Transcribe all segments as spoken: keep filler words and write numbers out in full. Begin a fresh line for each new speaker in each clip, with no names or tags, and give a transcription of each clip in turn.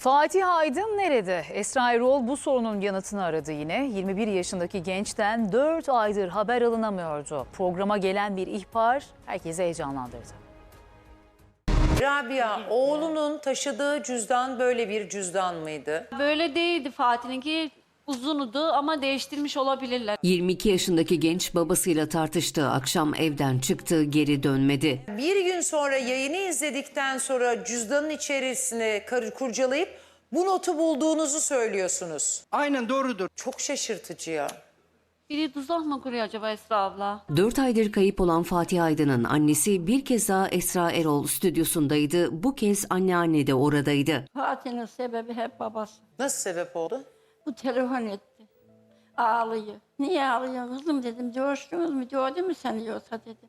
Fatih Aydın nerede? Esra Erol bu sorunun yanıtını aradı yine. yirmi bir yaşındaki gençten dört aydır haber alınamıyordu. Programa gelen bir ihbar herkesi heyecanlandırdı.
Rabia, oğlunun taşıdığı cüzdan böyle bir cüzdan mıydı?
Böyle değildi Fatih'inki, uzunudu ama değiştirmiş olabilirler.
yirmi iki yaşındaki genç babasıyla tartıştı. Akşam evden çıktı, geri dönmedi.
Bir gün sonra yayını izledikten sonra cüzdanın içerisine kar- kurcalayıp bu notu bulduğunuzu söylüyorsunuz.
Aynen doğrudur.
Çok şaşırtıcı ya.
Biri tuzak mı kuruyor acaba Esra abla?
dört aydır kayıp olan Fatih Aydın'ın annesi bir kez daha Esra Erol stüdyosundaydı. Bu kez anneanne de oradaydı.
Fatih'in sebebi hep babası.
Nasıl sebep oldu?
Bu telefon etti. Ağlıyor. Niye ağlıyorsun kızım dedim. Coştunuz mu? Gördün mü seni yoksa dedim.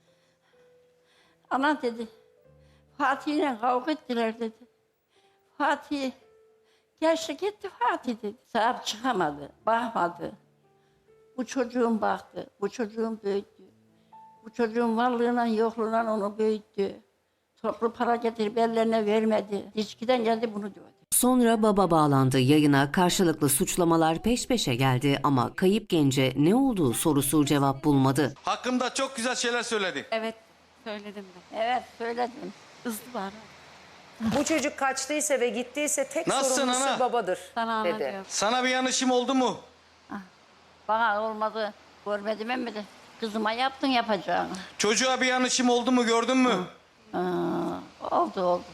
Ana dedi. Fatih'le kavga ettiler dedi. Fatih geçti gitti Fatih dedi. Sahip çıkamadı. Bakmadı. Bu çocuğun baktı. Bu çocuğun büyüttü. Bu çocuğun varlığıyla yokluğuyla onu büyüttü. Toplu para getirip ellerine vermedi. İçkiden geldi bunu diyordu.
Sonra baba bağlandı yayına. Karşılıklı suçlamalar peş peşe geldi ama kayıp gence ne olduğu sorusu cevap bulmadı.
Hakkımda çok güzel şeyler söyledi.
Evet, söyledim de.
Evet söyledim.
Kızdı bana.
Bu çocuk kaçtıysa ve gittiyse tek
Nasılsın
sorumlusu
ana?
babadır
Sana ana
dedi.
diyor.
Sana bir yanlışım oldu mu?
Bana olmadı. Görmedim mi de kızıma yaptın yapacağını.
Çocuğa bir yanlışım oldu mu gördün mü?
Aa, oldu oldu.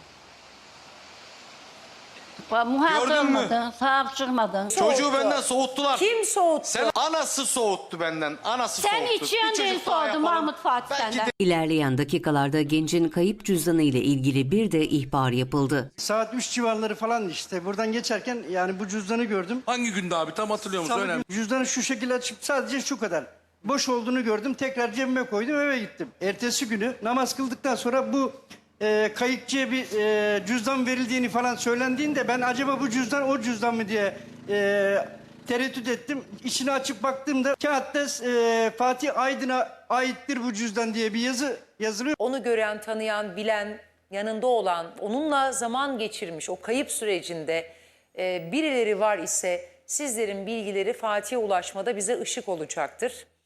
Bak, muhatap
Gördün mü?
olmadın, sahip çıkmadın.
Çocuğu
Soğuttu.
benden soğuttular.
Kim soğuttu?
Sen anası soğuttu benden. Anası
Sen
soğuttu.
içiyorsun
Bir çocuk
diye
daha
sordum
yapalım.
Mahmut Fatih
Belki
senden.
de-
İlerleyen dakikalarda gencin kayıp cüzdanı ile ilgili bir de ihbar yapıldı.
Saat üç civarları falan işte buradan geçerken yani bu cüzdanı gördüm.
Hangi günde abi tam hatırlıyor musun?
Salı
Önemli.
günü cüzdanı şu şekilde açıp sadece şu kadar. Boş olduğunu gördüm. Tekrar cebime koydum eve gittim. Ertesi günü namaz kıldıktan sonra bu e, kayıkçıya bir e, cüzdan verildiğini falan söylendiğinde ben acaba bu cüzdan o cüzdan mı diye e, tereddüt ettim. İçini açıp baktığımda kağıtta e, Fatih Aydın'a aittir bu cüzdan diye bir yazı yazılıyor.
Onu gören, tanıyan, bilen, yanında olan, onunla zaman geçirmiş o kayıp sürecinde e, birileri var ise sizlerin bilgileri Fatih'e ulaşmada bize ışık olacaktır.